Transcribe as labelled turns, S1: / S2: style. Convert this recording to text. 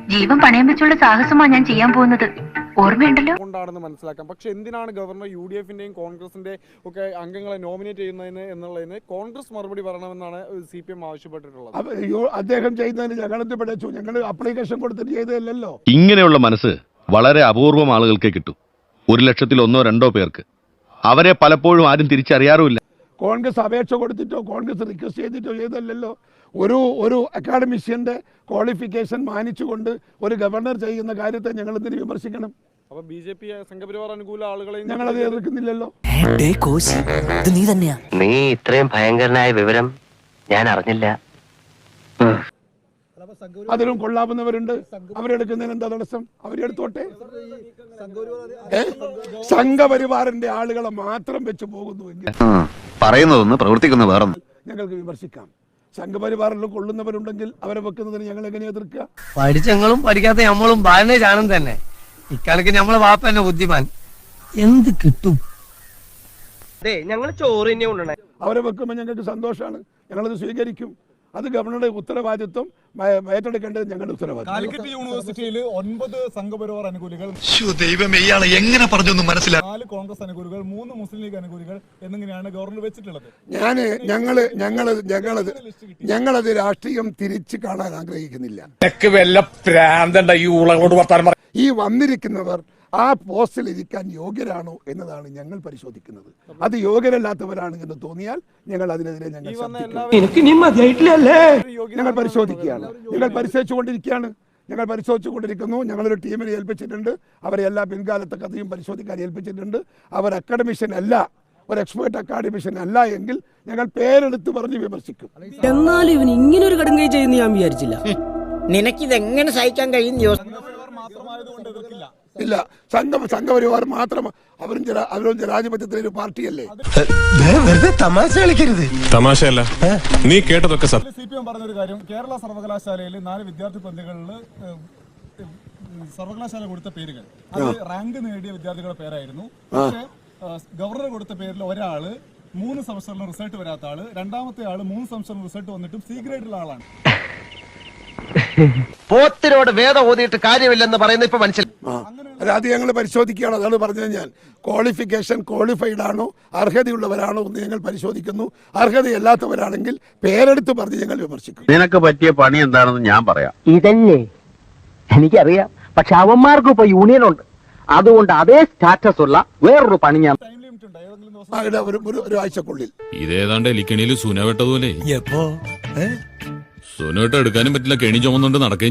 S1: ജീവൻ പണയം വെച്ചുള്ള സാഹസമാണ് ഞാൻ ചെയ്യാൻ പോകുന്നത്. ഓർമ്മയുണ്ടല്ലോ
S2: കൊണ്ടാണെന്ന് മനസ്സിലാക്കാം. പക്ഷെ എന്തിനാണ് ഗവർണർ UDF-ന്റെയും കോൺഗ്രസിന്റെ ഒക്കെ അംഗങ്ങളെ നോമിനേറ്റ് ചെയ്യുന്നതിന് എന്നുള്ളതിന് കോൺഗ്രസ് മറുപടി പറയണമെന്നാണ് CPM ആവശ്യപ്പെട്ടിട്ടുള്ളത്.
S3: അദ്ദേഹം ചെയ്യുന്നതിന് ഞങ്ങളെന്ത് പഠിച്ചു? ഞങ്ങൾ അപ്ലിക്കേഷൻ കൊടുത്തിട്ട് ചെയ്തതല്ലോ.
S4: ഇങ്ങനെയുള്ള മനസ്സ് വളരെ അപൂർവം ആളുകൾക്കേ കിട്ടും. 1,00,000-ൽ 1-2 പേർക്ക്. അവരെ പലപ്പോഴും ആരും തിരിച്ചറിയാറുമില്ല.
S3: കോൺഗ്രസ് അപേക്ഷ കൊടുത്തിട്ടോ കോൺഗ്രസ് റിക്വസ്റ്റ് ചെയ്തിട്ടോ ചെയ്തല്ലോ. ഒരു അക്കാഡമിഷ്യന്റെ ക്വാളിഫിക്കേഷൻ മാനിച്ചുകൊണ്ട് ഒരു ഗവർണർ ചെയ്യുന്ന കാര്യത്തെ ഞങ്ങൾ എന്തിനു വിമർശിക്കണം?
S2: അപ്പൊ BJP സംഘപരിവാർ അനുകൂല ആളുകളെ
S3: ഞങ്ങളത് എതിർക്കുന്നില്ലല്ലോ.
S5: നീ ഇത്രയും ഭയങ്കരനായ വിവരം ഞാൻ അറിഞ്ഞില്ല.
S3: അതിലും കൊള്ളാവുന്നവരുണ്ട്. അവരെടുക്കുന്നതിന് എന്താ തടസ്സം? അവരെടുത്തോട്ടെ. സംഘപരിവാറിന്റെ ആളുകളെ മാത്രം വെച്ച് പോകുന്നുവെങ്കിൽ
S6: പറയുന്നതൊന്ന് പ്രവർത്തിക്കുന്ന വേറെ
S3: ഞങ്ങൾക്ക് വിമർശിക്കാം. സംഘപരിവാറിലും കൊള്ളുന്നവരുണ്ടെങ്കിൽ അവരെ വെക്കുന്നതിന് ഞങ്ങൾ എങ്ങനെ എതിർക്കുക?
S7: പഠിച്ചങ്ങളും പഠിക്കാത്ത നമ്മളും ബാലനെ ജാനം തന്നെ. ഇക്കാലക്ക് നമ്മളെ വാപ്പ തന്നെ ബുദ്ധിമാൻ. എന്ത് കിട്ടും? ഞങ്ങൾ ചോറ് തന്നെ കൊണ്ടുവന്നേ.
S3: അവരെ വെക്കുമ്പോൾ ഞങ്ങൾക്ക് സന്തോഷമാണ്. ഞങ്ങളത് സ്വീകരിക്കും. അത് ഗവർണറുടെ ഉത്തരവാദിത്വം ഏറ്റെടുക്കേണ്ടത് ഞങ്ങളുടെ ഉത്തരവാദിത്വം.
S2: കാലിക്കറ്റ് യൂണിവേഴ്സിറ്റിയിൽ 9 സംഘപരിവാർ അനുകൂലികൾ,
S6: എങ്ങനെ പറഞ്ഞൊന്നും മനസ്സിലായി,
S2: 4 കോൺഗ്രസ് അനുകൂലികൾ, 3 മുസ്ലിം ലീഗ് അനുകൂലികൾ എന്നിങ്ങനെയാണ് ഗവർണർ വെച്ചിട്ടുള്ളത്.
S3: ഞങ്ങളത് രാഷ്ട്രീയം തിരിച്ചു കാണാൻ ആഗ്രഹിക്കുന്നില്ല. ഈ വന്നിരിക്കുന്നവർ ആ പോസ്റ്റിൽ ഇരിക്കാൻ യോഗ്യരാണോ എന്നതാണ് ഞങ്ങൾ പരിശോധിക്കുന്നത്. അത് യോഗ്യരല്ലാത്തവരാണ് എന്ന് തോന്നിയാൽ ഞങ്ങൾ അതിനെതിരെ ഞങ്ങൾ പരിശോധിക്കുകയാണ്. ഞങ്ങൾ പരിശോധിച്ചുകൊണ്ടിരിക്കുന്നു. ഞങ്ങളൊരു ടീമിനെ ഏൽപ്പിച്ചിട്ടുണ്ട്. അവരെ എല്ലാ പിൻകാലത്തെ കഥയും പരിശോധിക്കാൻ ഏൽപ്പിച്ചിട്ടുണ്ട്. അവർ അക്കാഡമിഷ്യൻ അല്ല, ഒരു എക്സ്പേർട്ട് അക്കാഡമിഷ്യൻ അല്ല എങ്കിൽ ഞങ്ങൾ പേരെടുത്ത് പറഞ്ഞ് വിമർശിക്കും.
S8: എന്നാലും ഇവൻ ഇങ്ങനെ ഒരു കടുങ്കൈ ചെയ്യുന്ന ഞാൻ വിചാരിച്ചില്ല. നിനക്കിതെങ്ങനെ സഹിക്കാൻ കഴിയും?
S3: ഇല്ല, സംഘപരിവാർ മാത്രം. അവരും ജനാധിപത്യത്തിലെ ഒരു പാർട്ടിയല്ലേ.
S6: തമാശ കളിക്കരുത്.
S9: തമാശയല്ല, നീ കേട്ടതൊക്കെ
S2: CPM പറഞ്ഞൊരു കാര്യം, കേരള സർവകലാശാലയിൽ 4 വിദ്യാർത്ഥി പ്രതികളിൽ സർവകലാശാല കൊടുത്ത പേരുകൾ അത് റാങ്ക് നേടിയ വിദ്യാർത്ഥികളുടെ പേരായിരുന്നു. പക്ഷേ ഗവർണർ കൊടുത്ത പേരിൽ ഒരാള് 3 സംവത്സരം റിസൾട്ട് വരാത്ത ആള്, രണ്ടാമത്തെ ആള് 3 സംവത്സരം റിസൾട്ട് വന്നിട്ടും C ഗ്രേഡിലുള്ള ആളാണ്.
S7: പോത്തിനോട് വേദം ഓതിയിട്ട് കാര്യമില്ലെന്ന് പറയുന്ന ഇപ്പൊ മനസ്സിലായി.
S3: അത് ഞങ്ങൾ പരിശോധിക്കുകയാണ്. അതാണ് പറഞ്ഞത് ഞാൻ. ക്വാളിഫിക്കേഷൻ ക്വാളിഫൈഡ് ആണോ, അർഹതയുള്ളവരാണോ എന്ന് ഞങ്ങൾ പരിശോധിക്കുന്നു. അർഹതയല്ലാത്തവരാണെങ്കിൽ പേരെടുത്ത് പറഞ്ഞ് ഞങ്ങൾ വിമർശിക്കും.
S4: നിനക്ക് പറ്റിയ പണി എന്താണെന്ന് ഞാൻ പറയാം.
S7: ഇതല്ലേ എനിക്കറിയാം. പക്ഷെ അവന്മാർക്കും ഇപ്പൊ യൂണിയൻ ഉണ്ട്. അതുകൊണ്ട് അതേ സ്റ്റാറ്റസ് ഉള്ള വേറൊരു പണി ഞാൻ
S3: ഒരു ആഴ്ചക്കുള്ളിൽ.
S9: ഇതേതാണ്ട് എലിക്കണിയിൽ സുന വെട്ടതുപോലെ. സുന വെട്ട എടുക്കാനും പറ്റില്ല, കെണി ചുമന്നുകൊണ്ട് നടക്കുകയും